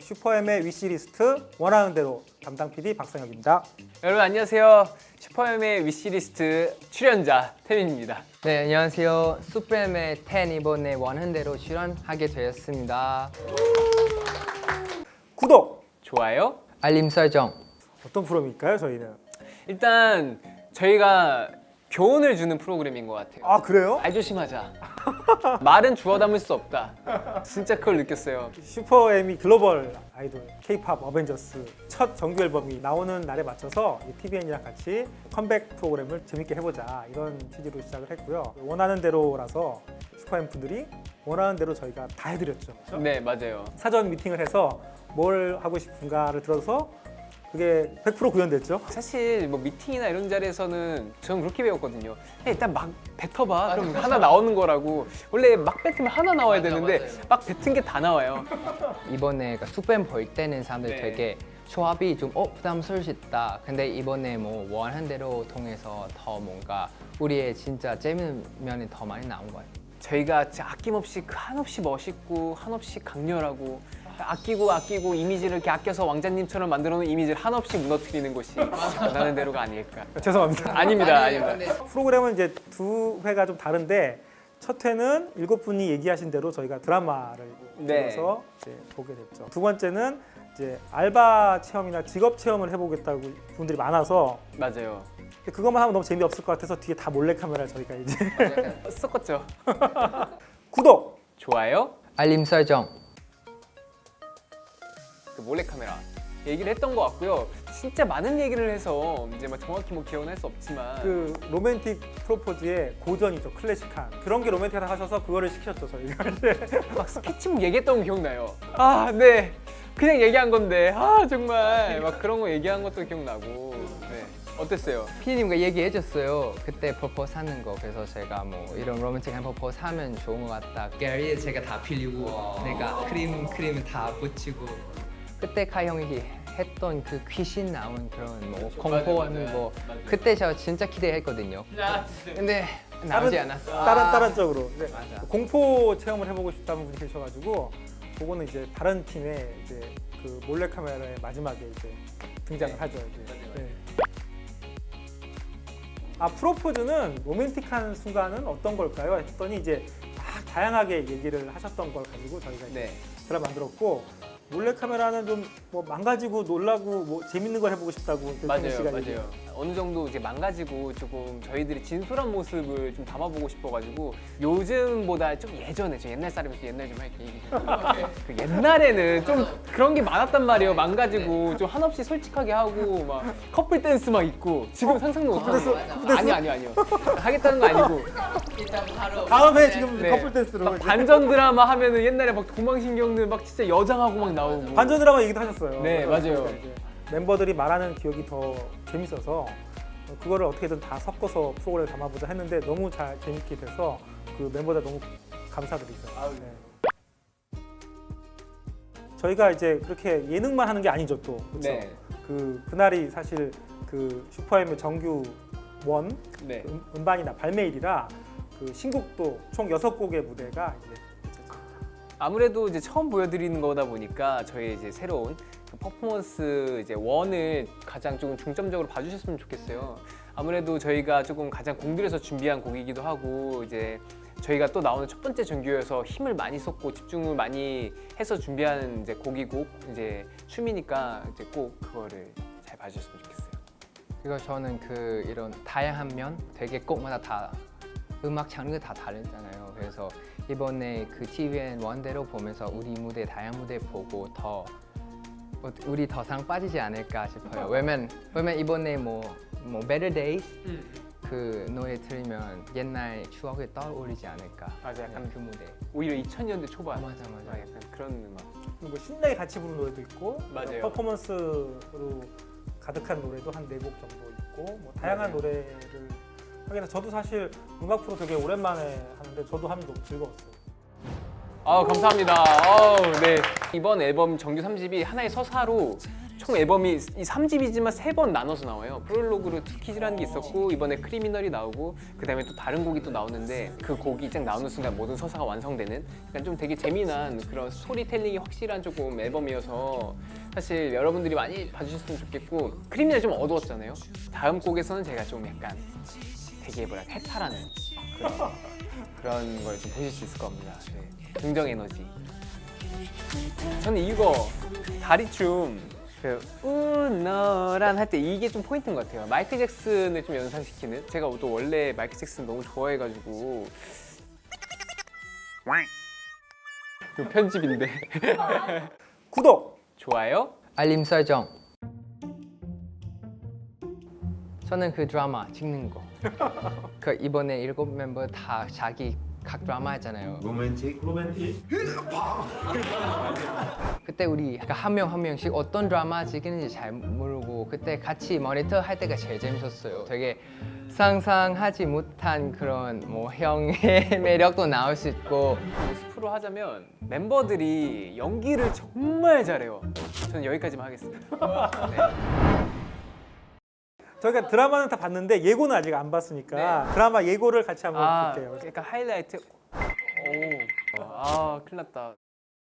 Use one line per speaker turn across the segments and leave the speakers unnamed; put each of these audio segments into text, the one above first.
슈퍼엠의 위시리스트 원하는 대로 담당 PD 박성혁입니다.
여러분 안녕하세요. 슈퍼엠의 위시리스트 출연자 태민입니다.
네, 안녕하세요. 슈프엠의 10 이번에 원하는 대로 출연하게 되었습니다.
구독!
좋아요.
알림 설정.
어떤 프로그램일까요, 저희는?
일단 저희가 교훈을 주는 프로그램인 것 같아요.
아, 그래요?
말 조심하자. 말은 주워 담을 수 없다. 진짜 그걸 느꼈어요.
슈퍼엠이 글로벌 아이돌 K-팝 어벤져스 첫 정규 앨범이 나오는 날에 맞춰서 TVN이랑 같이 컴백 프로그램을 재밌게 해보자 이런 취지로 시작을 했고요. 원하는 대로라서 슈퍼엠 분들이 원하는 대로 저희가 다 해드렸죠.
네, 맞아요.
사전 미팅을 해서 뭘 하고 싶은가를 들어서 그게 100% 구현됐죠.
사실 뭐 미팅이나 이런 자리에서는 저는 그렇게 배웠거든요. 일단 막 뱉어봐. 그럼 하나 나오는 거라고. 원래 막 뱉으면 하나 나와야 되는데 막 뱉은 게 다 나와요.
이번에 슈프엠 볼 때는 사람들
네.
되게 조합이 좀 부담스러울 수 있다. 근데 이번에 뭐 원하는 대로 통해서 더 뭔가 우리의 진짜 재밌는 면이 더 많이 나온 것 같아요.
저희가 진짜 아낌없이 한없이 멋있고 한없이 강렬하고 아끼고 이미지를 이렇게 아껴서 왕자님처럼 만들어 놓은 이미지를 한없이 무너뜨리는 것이 원하는 대로가 아닐까.
죄송합니다.
아닙니다.
프로그램은 이제 두 회가 좀 다른데 첫 회는 7분이 얘기하신 대로 저희가 드라마를
네.
들어서 이제 보게 됐죠. 두 번째는 이제 알바 체험이나 직업 체험을 해보겠다고 분들이 많아서
맞아요.
그것만 하면 너무 재미없을 것 같아서 뒤에 다 몰래카메라를 저희가 이제
섞었죠.
구독!
좋아요.
알림 설정.
그 몰래카메라 얘기를 했던 것 같고요. 진짜 많은 얘기를 해서 이제 막 정확히 뭐 기억은 할 수 없지만
그 로맨틱 프로포즈의 고전이죠. 클래식한 그런 게 로맨틱하다 하셔서 그거를 시켰죠 저희가 이제.
막 스케치북 얘기했던 거 기억나요. 아, 네. 그냥 얘기한 건데 정말 막 그런 거 얘기한 것도 기억나고. 네. 어땠어요?
피디님과 얘기해줬어요. 그때 퍼포즈 하는 거. 그래서 제가 뭐 이런 로맨틱한 퍼포즈 하면 좋은 것 같다. 게리에 제가 다 빌리고 내가 크림 다 붙이고. 그때 카 형이 했던 그 귀신 나온 그런 뭐 공포하는 거 그때 저 진짜 기대했거든요. 근데 나오지 않았어.
다른 쪽으로. 네.
맞아.
공포 체험을 해보고 싶다는 분이 계셔가지고 그거는 이제 다른 팀의 이제 그 몰래카메라의 마지막에 이제 등장을 하죠. 이제. 네. 아, 프로포즈는 로맨틱한 순간은 어떤 걸까요? 했더니 이제 막 다양하게 얘기를 하셨던 걸 가지고 저희가 이제
네.
드라마 만들었고, 몰래카메라는 좀 뭐 망가지고 놀라고 뭐 재밌는 걸 해보고 싶다고
맞아요.
시간이
맞아요. 어느 정도 이제 망가지고 조금 저희들이 진솔한 모습을 좀 담아보고 싶어가지고 요즘보다 좀 예전에 저 옛날 사람이서 옛날 좀 할게 얘기 좀. 그 옛날에는 좀 그런 게 많았단 말이에요. 망가지고 좀 한없이 솔직하게 하고 막 커플 댄스 막 있고 지금 상상도 못하고. 아니요. 하겠다는 거 아니고.
다음에 지금
네.
커플 댄스로
막
이제
반전 드라마 하면은 옛날에 막 도망신경들 막 진짜 여장하고 막 나오고.
반전 드라마 얘기도 하셨어요.
네, 맞아요.
그러니까 이제 멤버들이 말하는 기억이 더 재밌어서 그거를 어떻게든 다 섞어서 프로그램에 담아보자 했는데 너무 잘 재밌게 돼서 그 멤버들 너무 감사드리죠. 네. 저희가 이제 그렇게 예능만 하는 게 아니죠 또. 그렇죠?
네.
그날이 사실 그 슈퍼엠의 정규 원
네.
음반이나 발매일이라 그 신곡도 총 6곡의 무대가 이제
아무래도 이제 처음 보여드리는 거다 보니까 저희 이제 새로운 그 퍼포먼스 이제 원을 가장 조금 중점적으로 봐주셨으면 좋겠어요. 아무래도 저희가 조금 가장 공들여서 준비한 곡이기도 하고 이제 저희가 또 나오는 첫 번째 정규여서 힘을 많이 쏟고 집중을 많이 해서 준비하는 이제 곡이고 이제 춤이니까 이제 꼭 그거를 잘 봐주셨으면 좋겠어요.
그리고 저는 그 이런 다양한 면 되게 꼭마다 다 음악 장르가 다 다르잖아요. 그래서 이번에 그 TVN 원대로 보면서 우리 무대 다양한 무대 보고 더 우리 더 상 빠지지 않을까 싶어요. 왜냐면 이번에 뭐 Better Days 그 노래 들으면 옛날 추억이 떠오르지 않을까.
맞아, 약간
그 무대.
오히려 2000년대 초반.
맞아.
약간 그런 음악.
뭐 신나게 같이 부르는 노래도 있고
맞아요.
퍼포먼스로 가득한 노래도 한 4곡 정도 있고 뭐 다양한
맞아요.
노래를 하게 돼서 저도 사실 음악 프로 되게 오랜만에 하는데 저도 하면 너무 즐거웠어요.
감사합니다. 네. 이번 앨범 정규 3집이 하나의 서사로 총 앨범이 이 3집이지만 3번 나눠서 나와요. 프롤로그로 투키즈라는 게 있었고 이번에 크리미널이 나오고 그다음에 또 다른 곡이 또 나오는데 그 곡이 딱 나오는 순간 모든 서사가 완성되는 약간 좀 되게 재미난 그런 스토리텔링이 확실한 조금 앨범이어서 사실 여러분들이 많이 봐주셨으면 좋겠고 크리미널 좀 어두웠잖아요. 다음 곡에서는 제가 좀 약간 되게 뭐랄까 해탈하는 그런 걸 좀 보실 수 있을 겁니다. 네. 긍정 에너지. 저는 이거 다리춤 그 우너란 할 때 이게 좀 포인트인 것 같아요. 마이클 잭슨을 좀 연상시키는. 제가 또 원래 마이클 잭슨 너무 좋아해가지고 그 편집인데
구독!
좋아요.
알림 설정. 저는 그 드라마 찍는 거. 그 이번에 7 멤버 다 자기 각 드라마 했잖아요.
로맨틱.
그때 우리 한 명 한 명씩 어떤 드라마 찍는지 잘 모르고 그때 같이 모니터 할 때가 제일 재밌었어요. 되게 상상하지 못한 그런 뭐 형의 매력도 나올 수 있고.
스프로 하자면 멤버들이 연기를 정말 잘해요. 저는 여기까지만 하겠습니다.
저희가 드라마는 다 봤는데 예고는 아직 안 봤으니까 드라마 예고를 같이 한번 볼게요.
약간 하이라이트. 오, 큰일 났다.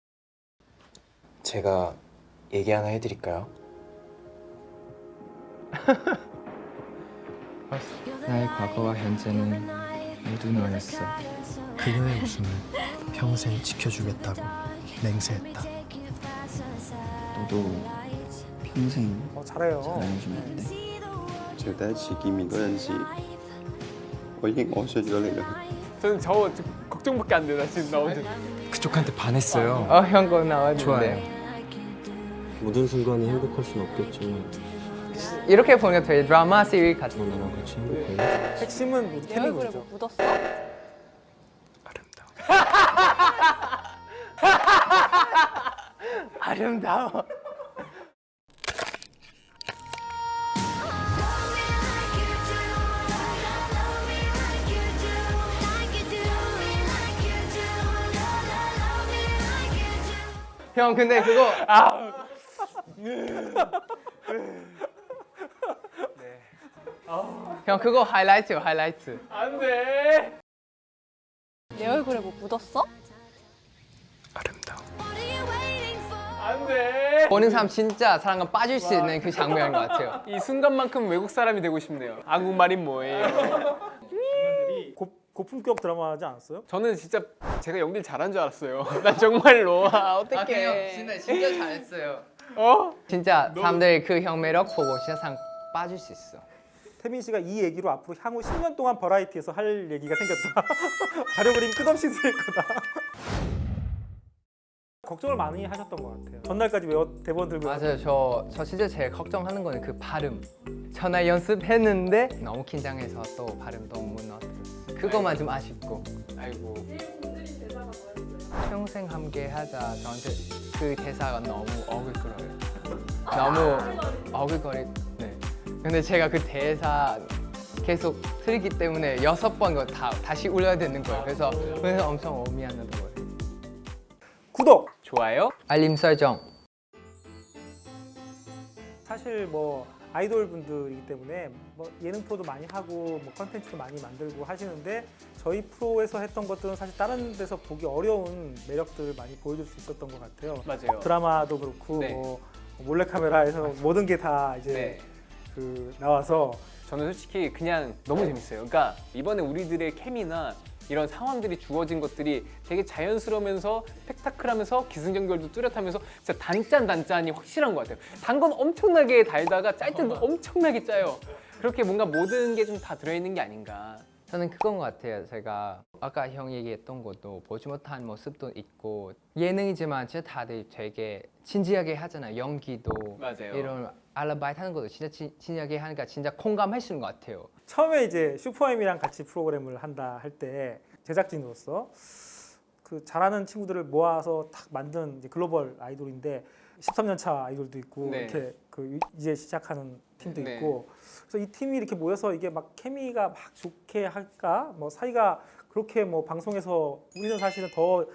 제가 얘기 하나 해드릴까요?
나의 과거와 현재는 모두 너였어.
그녀의 웃음을 평생 지켜주겠다고 맹세했다.
너도 평생
잘해요.
사랑해주면 안 돼?
就第一次見面嗰陣時，我已經愛上咗你啦。
저는 저 걱정밖에 안 돼요. 나 지금 나 혼자.
그쪽한테 반했어요.
형 거 나왔는데.
좋아요.
모든 순간이 행복할 순 없겠지만
이렇게 보니까 되게 드라마 시리즈 같은.
너 나랑 같이 행복해.
핵심은 우리
내 얼굴에
태민이죠.
뭐 묻었어?
아름다워. 형 근데 그거 형 그거 하이라이트요 하이라이트.
안 돼.
내 얼굴에 뭐 묻었어?
아름다워.
안 돼.
보는 사람 진짜 사랑에 빠질 수 있는 그 장면인 것 같아요.
이 순간만큼 외국 사람이 되고 싶네요. 한국말이 뭐예요?
고품격 드라마지 않았어요?
저는 진짜 제가 연기를 잘한 줄 알았어요. 난 정말로. 어떡해.
진짜 잘했어요.
어?
진짜 사람들이 그 형 매력 보고 진짜 사랑 빠질 수 있어.
태민 씨가 이 얘기로 앞으로 향후 10년 동안 버라이티에서 할 얘기가 생겼다. 자료 그림 끝없이 쓸 거다. 걱정을 많이 하셨던 것 같아요. 전날까지 대본 들고
맞아요. 저 진짜 제일 걱정하는 거는 그 발음. 전화 연습했는데 너무 긴장해서 또 발음도 못 넣었어요. 그것만 좀 아쉽고.
아이고.
평생 함께 하자. 저한테 그 대사가 너무 어글거려요. 너무 어글거리. 네. 근데 제가 그 대사 계속 틀기 때문에 6번 다시 울려야 되는 거예요. 그래서 엄청 미안하던 거예요.
구독!
좋아요.
알림 설정.
사실 뭐 아이돌 분들이기 때문에 뭐 예능 프로도 많이 하고 뭐 컨텐츠도 많이 만들고 하시는데 저희 프로에서 했던 것들은 사실 다른 데서 보기 어려운 매력들을 많이 보여줄 수 있었던 것 같아요.
맞아요.
드라마도 그렇고
네.
뭐 몰래카메라에서 모든 게 다 이제
네.
그 나와서
저는 솔직히 그냥 너무 재밌어요. 그러니까 이번에 우리들의 케미나 이런 상황들이 주어진 것들이 되게 자연스러우면서 스펙타클하면서 기승전결도 뚜렷하면서 진짜 단짠이 확실한 것 같아요. 단 건 엄청나게 달다가 짤 때도 엄청나게 짜요. 그렇게 뭔가 모든 게 좀 다 들어있는 게 아닌가.
저는 그건 것 같아요. 제가 아까 형 얘기했던 것도 보지 못한 모습도 있고 예능이지만 진짜 다들 되게 진지하게 하잖아요. 연기도
맞아요.
이런 알라바이트 하는 것도 진짜 진지하게 하니까 진짜 공감할 수 있는 것 같아요.
처음에 이제 슈퍼엠이랑 같이 프로그램을 한다 할 때 제작진으로서 그 잘하는 친구들을 모아서 탁 만든 이제 글로벌 아이돌인데 13년 차 아이돌도 있고
네.
이렇게 그 이제 시작하는 팀도
네.
있고 그래서 이 팀이 이렇게 모여서 이게 막 케미가 막 좋게 할까 뭐 사이가 그렇게 뭐 방송에서 우리는 사실은 더 그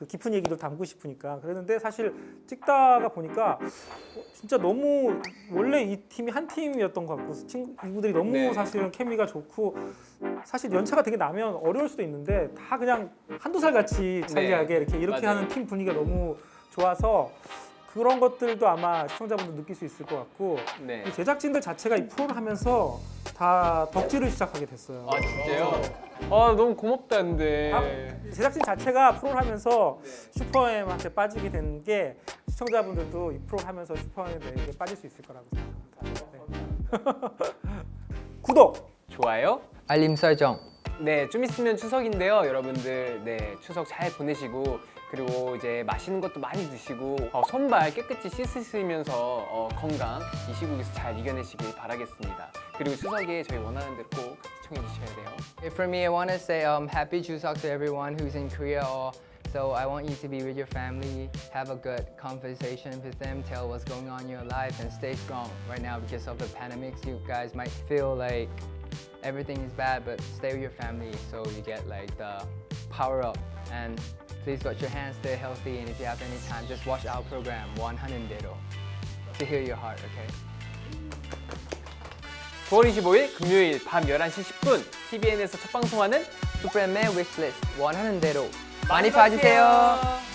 그 깊은 얘기도 담고 싶으니까 그랬는데 사실 찍다가 보니까 진짜 너무 원래 이 팀이 한 팀이었던 것 같고 친구들이 너무
네.
사실은 케미가 좋고 사실 연차가 되게 나면 어려울 수도 있는데 다 그냥 한두 살 같이 차이하게 이렇게
맞아요.
하는 팀 분위기가 너무 좋아서 그런 것들도 아마 시청자분들 느낄 수 있을 것 같고
네.
이 제작진들 자체가 이 프로를 하면서 다 덕질을 시작하게 됐어요.
아 진짜요? 아 너무 고맙다 근데.
제작진 자체가 프로를 하면서 슈퍼엠한테 빠지게 된 게 시청자분들도 이 프로를 하면서 슈퍼엠에게 빠질 수 있을 거라고 생각합니다. 네. 구독!
좋아요.
알림 설정.
네, 좀 있으면 추석인데요, 여러분들. 네, 추석 잘 보내시고 그리고 이제 맛있는 것도 많이 드시고 손발 깨끗이 씻으시면서 건강 이 시국에서 잘 이겨내시길 바라겠습니다. 그리고 추석에 저희 원하는 대로 꼭 시청해 주셔야 돼요.
For me, I want to say happy Chuseok to everyone who's in Korea. So I want you to be with your family, have a good conversation with them, tell what's going on in your life, and stay strong. Right now, because of the pandemics, you guys might feel like everything is bad, but stay with your family so you get like the power up. And please wash your hands, stay healthy, and if you have any time, just watch our program, 100대로, to heal your heart, okay?
9월 25일 금요일 밤 11시 10분 TVN에서 첫 방송하는
슈퍼맨 wishlist 100대로 많이 봐주세요.